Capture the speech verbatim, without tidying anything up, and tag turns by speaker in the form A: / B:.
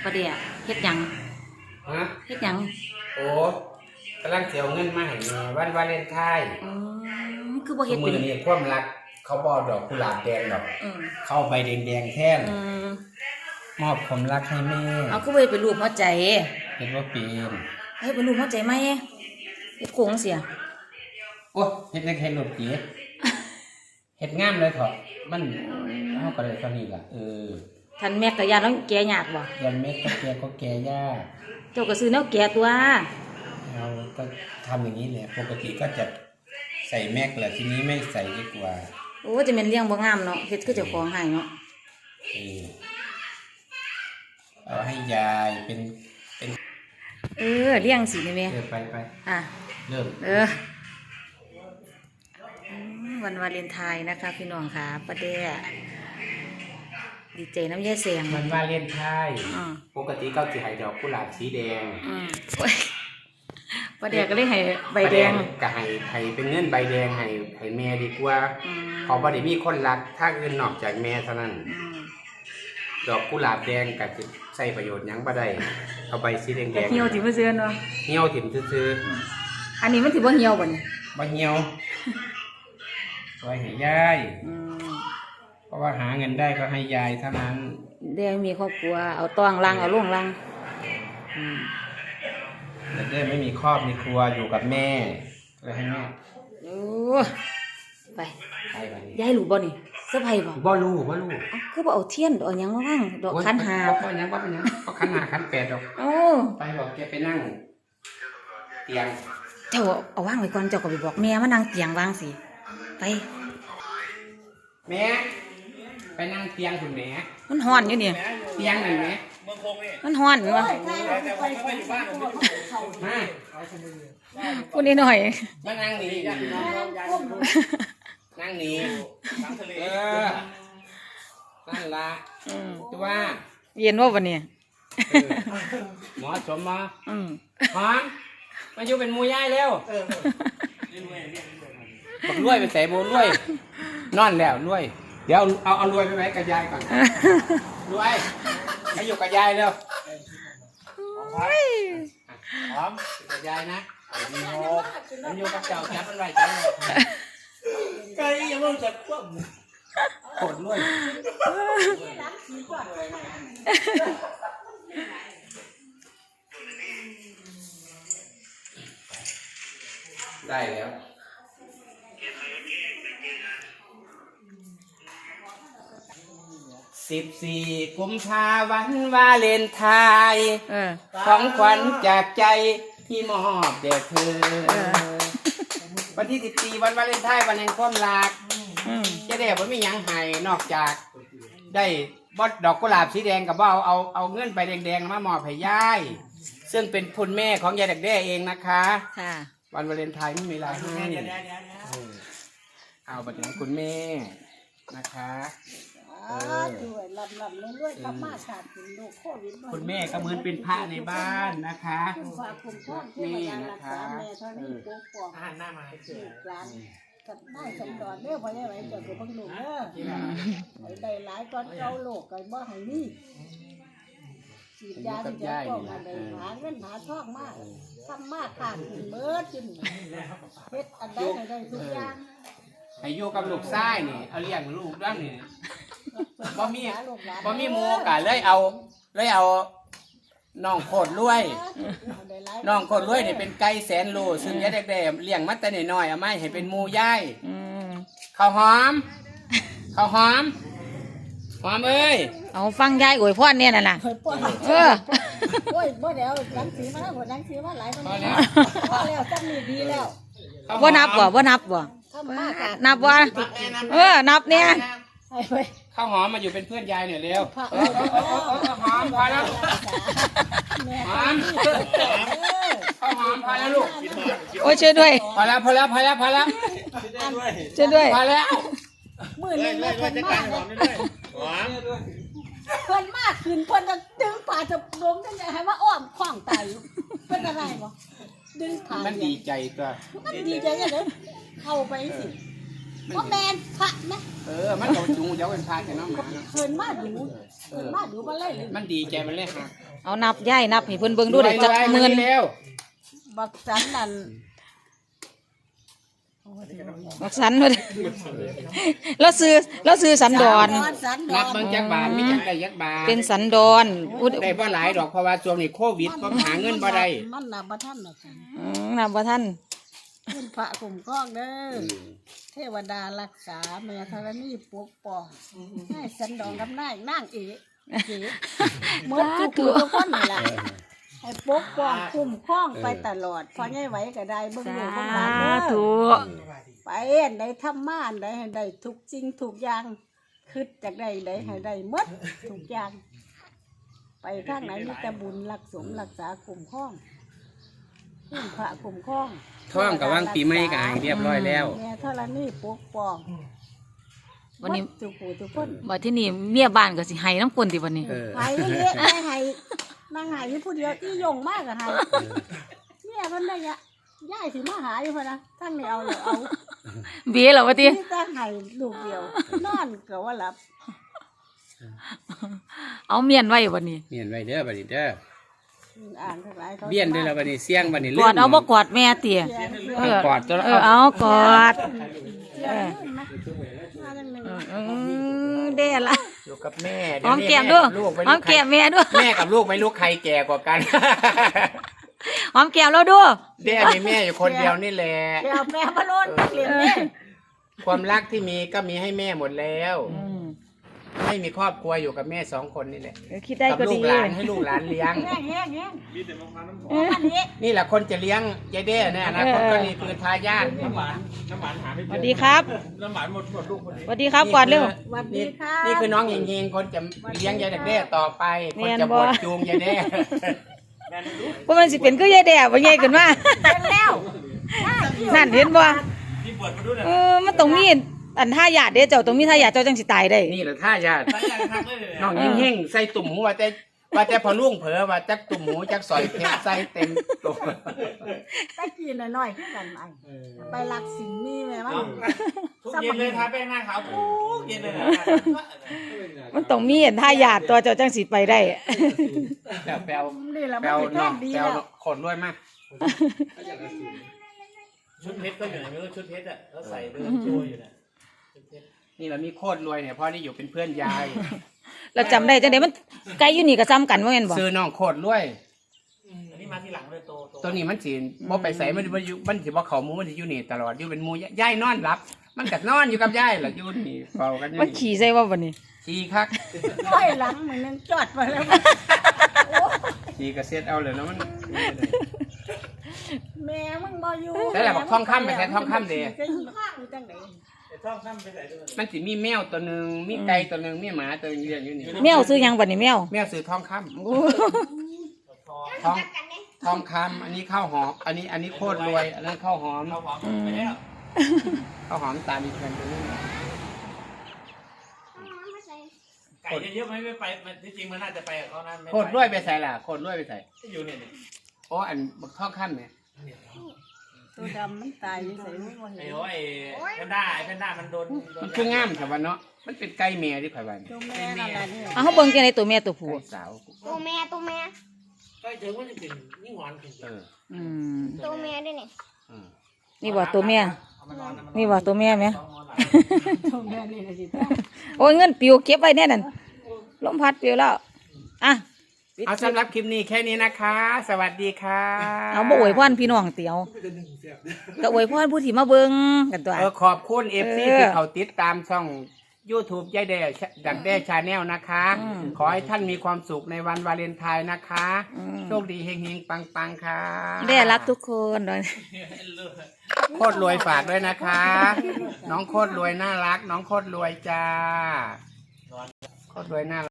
A: ประเดี๋ยวเฮ็ดหยัง
B: ฮะ
A: เฮ็ดหยัง
B: โอ้กำลังเสียเงินมาให้แม่วันวาเลนไทน์
A: อืมคือบ่เฮ็ด
B: มื
A: เป็น
B: อนี่ความรักเขาบ่ดอกกุหลาบแดงดอก
A: อืม
B: เข้าใบแดงๆแท่น
A: อืม
B: มอบความรักให้แม่
A: เอาคือบ่เฮ็ดเป็นรูปหัวใจ
B: เห็นว่าเป็น
A: เฮ็ดเป็นรูปหัวใจไหมเฮ็ดโค้งเสีย
B: โอ้เฮ็ดในแค่รถเก๋เฮ็ดงามเลยเถอะมันเฮาก็เลยเท่านี้ล่ะเออ
A: ท่านแม่ก็ย่านแล้วแก่ยากบ่
B: ยันเม็ดก็แก่ก็แก่ยาก
A: เจ้าก็ซื้อแนวแก่ตัว
B: เราก็ทำอย่างนี้แหละปกติก็จะใส่แม็กแหละทีนี้ไม่ใส่ดีกว่า
A: โอ้จะแม่นเลี้ยงบ่งามเนาะเฮ็ดคือเจ้าของให้เนาะ
B: เออเอาให้ยายเป็นเป็น
A: เออเลี้ยงสิแม่
B: เออไปไป
A: อ่ะ
B: เริ่ม
A: เออวันวาเลนไทน์นะคะพี่น้องค่ะป้าแด้ดีใจน้ำยายแสง
B: วันวาเลนไทน์ปกติก็จะให้ดอกกุหลาบสีแดง
A: ป้าแด้ก็เลยให้ใบแดง
B: ก็ให้ให้เป็นเงินใบแดงให้ให้แม่ดีกว่าเพราะบ่ได้มีคนรักถ้าอื่นนอกจากแม่เท่านั้นดอกกุหลาบแดงก็จะใช้ประโยชน์หยังบ่ได้เอาใบสีแดงแดง
A: เหี่ยวถิ่มซื่อเนาะ
B: เหี่ยวถิ่มซื่อ
A: อันนี้มันสิบ่เหี่ยวบ่นี่
B: บ่เหี่ยวไว้ให้ยายเพราะว่าหาเงินได้ก็ให้ยายเท่านั้น
A: เดี๋ยวมีครอบครัวเอาต้องลังเอาล่วงลัง
B: แต่เด้ไม่มีครอบมีครัวอยู่กับแม่เลยให้แม่
A: โอ้ไปไปไปยายรู้บ่นี่เสื้อผ้าบ่
B: บ่รู้บ่รู้
A: คือบ่เอาเทียนเอาหยังมาว่างดอกขันหา
B: บ่หยังบ่เป็นหยังก็ขันหาขันแปดดอก
A: โอ้
B: ไปบอกแกไปนั่งเตียง
A: เจ้าเอาวางไว้ก่อนเจ้าก็ไปบอกแม่มานั่งเตียงวางสิไป
B: แม่ไปนั่งเตียงคุณแม่
A: มันฮ้อนอยู่นี่
B: เตียงไหนแม่
A: มันฮ้อนวะ
B: มา
A: พูดนิดหน่อย
B: มานั่งนี่นั่งนี่เออนั่นละตัวว่า
A: เย็นว่าวันนี้
B: หมอสมมาหอมมาอยู่เป็นมูย่ายแล้วบอกรวยไปใส่โบรวยนอนแล้วรวยเดี๋ยวเอาเอารวยไปไว้กับยายก่อนรวยให้อยู่กับยายเร็วหอมกับยายนะดีโฮมันอยู่กับเจ้าจับมันไว้จับเลยไก่ยังไม่จับคว่ำโคตรรวยได้แล้วสิบสี่กุมภาพันธ์วาเลนไทน์ของขวัญจากใจที่มอบแด่เธอวันที่สิบสี่วันวาเลนไทน์วันแห่งความรักจะได้บ่มีหยังให้นอกจากได้บอดดอกกุหลาบสีแดงกับว่าเอาเอาเอาเงินไปแดงๆมามอบให้ยายซึ่งเป็นคุณแม่ของยายเด็กแด้เองนะคะวันวาเลนไทน์ไม่มีอะไรให้เอาบัตรของคุณแม่นะคะ
C: ด้วยลำลำเรื่อยๆครับมาชาติถึงโลกโควิด
B: คุณแม่ก็เหมือนเป็นพระในบ้านนะคะ
C: แม่นะคะแม่เท่านี้ปกป้องหน้ามาให้เกิดร้านกับได้สมดอนเด้อพอได้ไหมเจ้าคือพังหนุ่มเด้อไอ้ได้หลายก้อนเก้าโลกกันบ่ให้นี่ฉีดยาที่จะป้องกันได้หาเงินหาทองมากทำมากขาดถึงเบิดจนเฮ็ดอันใดไหนได้ทุกอย่าง
B: ให้อยู่กับลูกชายนี่เอาเลี้ยงลูกด้านนี่บ่มีบ่มีหมูกะเลยเอาเลยเอาน้องโคตรรวยน้องโคตรรวยนี่เป็นไก่แสนโลซึ่งยายเด็กๆเลี้ยงมาแต่น้อยๆเอามาให้เป็นหมูย่ายข้าวหอมข้าวหอมหอมเอ้ย
A: เอาฟังยายอวยพรเนี่ยน่ะล่ะเออ
C: โอ้ยบ่เดี๋ยวหนังสือมาแล้วหนังสือมาหลายคนแล้วพอแล้วจังนี่ดีแล้ว
A: บ่นับบ่บ่นับบ่นับว่าเออนับเนี่ย
B: ข้าวหอมมาอยู่เป็นเพื่อนยายหน่อยเร็วหอมพอแล้วหอมข้าวหอมพอแล้วลูก
A: โอ้ยช่วยด้วย
B: พอแล้วพอแล้วพอแล้วพอแล้ว
A: ช่วยด้วย
B: พอแล้ว
C: มือเล่นเล่นมากเลยเพิ่นมากขึ้นเพิ่นจะดึงป่าจะล้มยังไงให้ว่าอ้อมขว้างตายเพิ่นอะไรบ่ดึงผ่าน
B: มันดีใจตัว
C: มันดีใจยังไงเข้าไปสิบ่แม่นพระนะ
B: เออมันเอาจุงเดี๋ยวเป็นพาจะน้องหมาเนาะ
C: เพิ่นมาดูเพิ่นมาดูมาเลย
B: มันดีใจมันเลยฮะ
A: เอานับย่ายนับให้เพิ่นเบิ่งดูได้จักหมื่น
B: แล้ว
C: บักสันนั่น
A: บักสันเพิ่นแล้วซื้อแล้วซื้อสันดอน
C: สันด
B: นั
C: อบ
B: เบิ่ง
C: น
B: จักบาทมีจักได้จักบาท
A: เป็นสันดอนอุด
B: ได้บ่หลายดอกเพราะว่าช่วงนี้โควิดก็หาเงินบ่ได้
C: มันนับบ่ทันหรอกค่ะ
A: อืมนับบ่ทัน
C: คุณพระคุ้มครองเด้อเทวดารักษาแม่ธรณีปกป้องให้สันดอนกับนายนางเอ๋เอ๋หมดทุกผู้ทุกคนนี่ล่ะให้ปกป้องคุ้มครองไปตลอดพอใหญ่ไหวก็ได้เบิ่งลูกเบิ่งหลานเด้อ
A: ธุ
C: ไปอันใดทำมาอันใดให้ได้ทุกสิ่งทุกอย่างคิดจากใดใดให้ได้หมดทุกอย่าง ไปทางไหนมีแต่บุญรักสมรักษาคุ้มครองคุ้มพระคุ้มครอง
B: ท่องกับว่างปีใหม่ก็ให้เรียบร้อยแล้ว
C: แม่ธรณีปกป้อง
A: วันนี้
C: หมดทุกผู้ทุกคน
A: บัดที่นี่เมียบ้านก็สิให้น้ำกลนติวันนี้
B: เออ
C: หายเละไม่หายนางหายอยู่ผู้เดียวที่ยงมากอะหายเนี่ยมันได้ยะย่ายสิมาหาอยู่พะนะทั้งนี้เอาเลยเอา
A: เบี้ยเหรอวะติ
C: ที่ตั้งหายลูกเดียวนอนก็ว่าหลับ
A: เอาเมียนไว้วันนี้
B: เมียนไว้เด้อบัดนี้เด้อ
C: อ่านทั้งหลายเขา
B: เบี้ยนเด้อแล้วบัดนี้เสียงบัดนี้
A: กอดเอาบ่กอดแม่เตี๋ยเออก
B: อดตัว
A: เออเอากอด
C: เออมาจังหนึ่ง
A: เออเด้ละ
B: อยู่กับแม่
A: หอมแก้มด้วย
B: ลูกไป
A: หอมแก้มแม่ด้วย
B: แม่กับลูกไม่รู้ใครแก่กว่ากัน
A: หอมแก้มเราด้วย
B: เด้มีแม่อยู่คนเดียวนี่แหละ
C: เดี๋ยวแม่มาโลนเกลียดแม่
B: ความรักที่มีก็มีให้แม่หมดแล้ว
A: อืม
B: ไม่มีครอบครัวอยู่กับแม่สองคนนี่แหละ
A: เออคิดได้
B: กั
A: ก็
B: ลู
A: ดี
B: กหลานให้ลูกหลานเลี้ยง
C: แง่แง่แง่โอ้อันนี้
B: นี่แหละคนจะเลี้ยงยายเด้เนี่ยนะคนก็นี่คือทายาท
A: สวัสดีครับ
D: น้ำหวานหมดหมดลูกคนนี้
A: สวัสดีครับกอดเร็ว
C: สวัสดีค่ะ
B: นี่คือน้องเฮงๆคนจะเลี้ยงยายเด้ต่อไป
A: แม่
B: คน
A: น
B: จะ
A: บ่
B: บวชจูงยายเด้
A: เพราะมันสิเป็นคือยายแด่บ่ใหญ่ขึ้นมา
C: เป็นแล้ว
A: นั่นเห็นบ่
D: ที่เปิดมาด้วยนะ
A: เออมันต้องมีอันท่าหยาดเด้เจ้าต้องมีท่าหยาดเจ้าจังสิตายได้
B: นี่แหละทายาท
D: ใส่ยังทักเลยเนี่ย
B: น้องเฮงๆใส่ตุ่มหูว่าแต่ว่าแต่พอลุงเผลอว่าจักตุ่มหูจักสอยเพชรใส่เต็มตัว
C: ตะกี้น้อยๆคือกันไหมไปรักสินนี่แม่มัน
D: ทุกเย็นเลยทาแป้งหน้าขาวทุกเย็นเลยนะ
A: มันต้องมีอันท่าหยาดตัวเจ้าจังสิไปได้
B: แปลวแปลว
C: นี่แหละ
B: แป
C: มั
B: ล
C: น
B: ว
C: เป็น
B: น้
C: แท่
B: อง
C: ดี
B: แปลว
C: แล้ว
B: ขนรวยมาก
D: ชุดเพชรก็อยู่ไหนไม่รู้ชุดเพชรอ่ะเขาใส่เดินโชว์อยู่น่ะชุดเพชร
B: นี่เรามีโคตรรวยเนี่ยเพราะนี่อยู่เป็นเพื่อนยาย
A: เราจำได้จังได๋มันไกลอยู่นี่ก็ซ้ำกันว่าแม่นบ่
B: ซื้อน้องโคตรรวย
D: อันนี้มาทีหลังเลยโตโต
B: ตัวนี้มันสิบ่ไปใส่มันมันอยู่มันสิบ่เข้าหมู่มันสิอยู่นี่ตลอดอยู่เป็นหมู่ยายนอนหลับ มันก็นอนอยู่กับยายล่ะอยู่นี่เฝ้ากันอยู่
A: มัน
B: นี่
A: ขี่ใส่ว่าบัดนี้
B: ขี่คัก
C: ร้อยหลังเหมือนนึงจอดมาแล้ว
B: ขี่ก็เซ็ตเอาเลยแล้วมัน
C: แม่มึงบ่อยู่
B: แต่ละบอกทองคำไปใส่ทองคำเด้
C: จะอยู่ข้างอยู่จังได๋
D: ไอ้ท่องข้ามไปใส่ด้วย
B: มันสิมีแมวตัวหนึงมีไก่ตัวหนึงมีหมาตัวหนึงเลี้ยงอยู่นี่
A: แมวซื้อหยังบัดนี้แมว
B: แมวซื้อทองคำ
A: โอ้
D: ทอง
B: ทองทองคำอันนี้ข้าวหอมอันนี้อันนี้โคตรรวยอันนั้นข้าวหอม
D: เขาหอมไปแล้ว
B: ข้าวหอมตามีเพื่อนตัวนี้
D: ไก่เยอะๆไหมไม่ไปมันที่จริงมันน่าจะไปกับเขานะไม่ไป
B: โคตรรวยไปใส่ล่ะโคตรรวยไปใส่
D: อยู่เนี่ยนี่
B: โอ้อันบักทองคำเนี่ย
C: ตัวดำมันตายอยู่ใส่มึงบ่
D: ไอ้
C: เห็น
D: โอ้ยแพนด้าไอ้แพนด้ามันโดนโด
B: มันคืองามแต่ว่าเนาะมันเป็นไก่แม่ที่ไผว่านี่
C: ตัวแม่นั่นล่ะนี่
A: เอาเฮาเบิ่งจังได๋ตัวแม่ตัวผู้
B: ไก่สาว
E: ตัวแม่ตัวแม่
D: ใกล้ถึงมันจะเป็นยิ่งหวานขึ้น
B: เออ
A: อืม
E: ตัวแม่ด้วยนี่
B: อืม
A: นี่บ่ตัวแม่
D: เอามานอนนะมัน
A: นี่บ่ตัวแม่แม่
D: ต้องนอนหลับ
C: ตัวแม่นี่น่ะสิ
A: โอ้ยเงินปิวเก็บไว้แน่นั่นลมพัดปิวแล้วอ่ะ
B: เอาสำหรับคลิปนี้แค่นี้นะคะ สวัสดีค่ะ
A: เอาบ่อวยพรพี่น้องเตียวก็อวยพรผู้ที่มาเบิ่งกันตัว
B: เออขอบคุณเอฟซี
A: เออ
B: ที่เขาติดตามช่อง YouTube ยายแด่ดักแด้ชาแนลนะคะ
A: อืม
B: ขอให้ท่านมีความสุขในวันวาเลนไทน์นะคะ
A: อืม
B: โชคดีเฮงๆ ปังๆ ค่ะ
A: ได้รักทุกคนเลย
B: โคตรรวยฝากด้วยนะคะ น้องโคตรรวยน่ารัก น้องโคตรรวยจ้า โคตรรวยน่ารัก